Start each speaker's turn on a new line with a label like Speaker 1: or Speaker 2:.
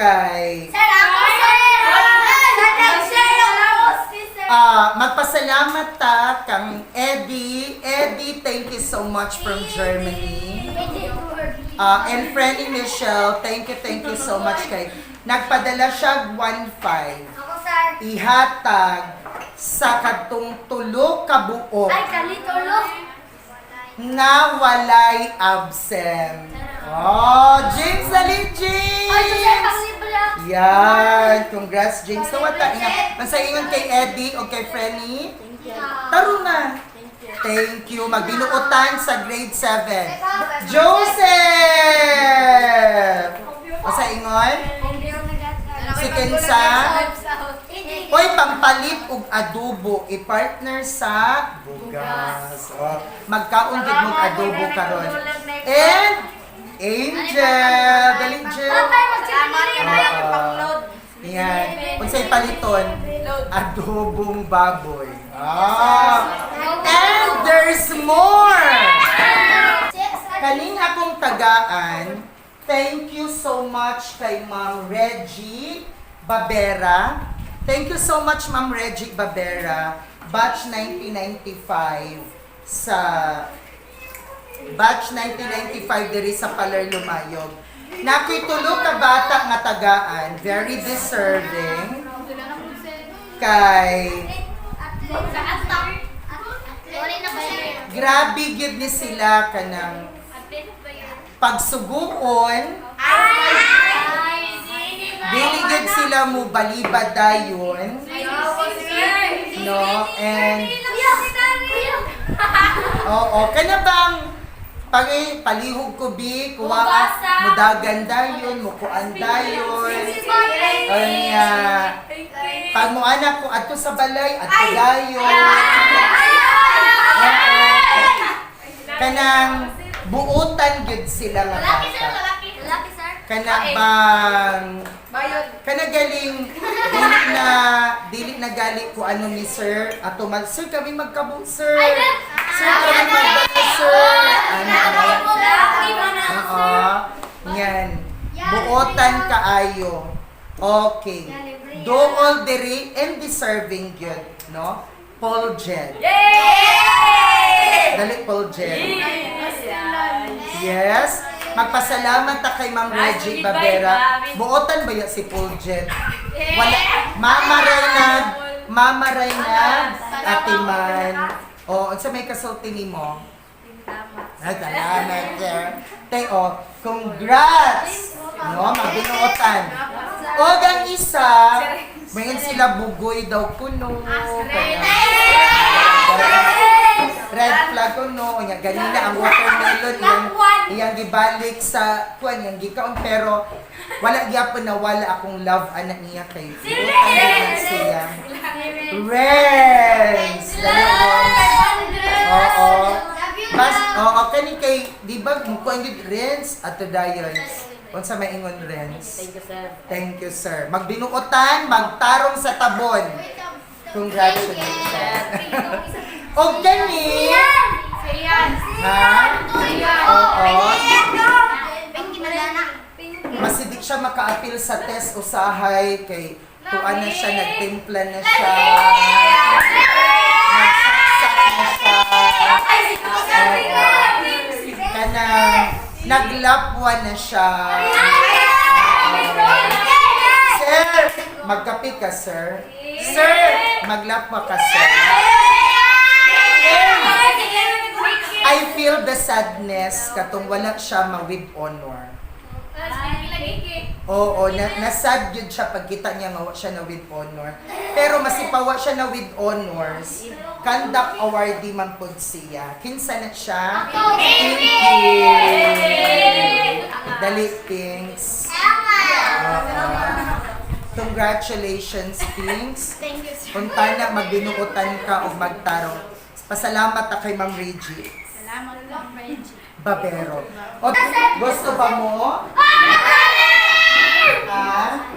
Speaker 1: kay magpasalamat ta kang Eddie. Eddie, thank you so much from Germany. And Franny Michelle, thank you so much kay nagpadala siya 1.5 ihatag sa katong tulo ka buok na walay absent. Oh, James dali, James! Yan, congrats James. So what sa ingon kay Eddie o kay Franny? Taro na. Thank you. Magbinuotan sa grade 7. Joseph! O sa ingon? Si Kensa? Hoy, pampalit og adobo, i-partner sa bugas. O, magkaon gid mong adobo karon. And Angel, dali Angel. Yan. Unsay paliton? Adobong baboy. And there's more. Kaning akong tagaan, thank you so much kay Ma'am Reggie Babera. Thank you so much Ma'am Reggie Babera, batch 1995 sa batch 1995 diri sa Paler Lumayog. Nakoy tulo ka bata nga tagaan, very deserving kay grabe gid ni sila kanang pagsuguon. Dili gid sila mo balibad dayon. No, and oo, kana bang palihog ko bi kuha mudagan dayon, mukuan dayon. Anya pag mo anak ko adto sa balay adto dayon. Kanang buutan gid sila nga bata. Kana bang kana galing dili na gali ko ano ni sir ato sir kami magkabu sir kami magkabu sir yan buotan kaayo okay do all diri and deserving good no Paul Jen dali Paul Jen yes. Magpasalamat ta kay Ma'am Reggie Babera. Buotan ba ya si Paul Jet? Wala. Mama Reynad, Atiman. O, unsa may kasulti nimo? Salamat, sir. Teo, congrats! No, magbinuotan. O, ang isa, mayin sila bugoy daw kuno. Red flag ko no, nya ganina ang watermelon iyang gibalik sa kuan yang gikaon pero wala gyapon na wala akong love anak niya kay butan siya. Renz. Oo. Bas kani kay di ba mo kuan gid Renz ato dayon. Unsa may ingon Renz?
Speaker 2: Thank you sir.
Speaker 1: Thank you sir. Magbinuotan, magtarong sa tabon. Congratulations. O gani? Ha? Oo. Masidik siya maka-appeal sa test usahay kay tuan na siya, nagtimpla na siya. Nagsaksak na siya. Kanang naglapwa na siya. Sir, magkape ka sir. Sir, maglapwa ka sir. I feel the sadness katong wala siya ma-with honor. Oo, nasad yun siya pagkita niya nga siya na with honor. Pero masipawa siya na with honors. Conduct awardee man pod siya. Kinsa na siya? Thank you. Dali, Pinks. Congratulations, Pinks.
Speaker 3: Thank you, sir.
Speaker 1: Punta na, magbinuotan ka o magtarong. Pasalamat na kay Ma'am Reggie.
Speaker 3: Salamat po, Reggie.
Speaker 1: Babero. O, gusto ba mo? Ha?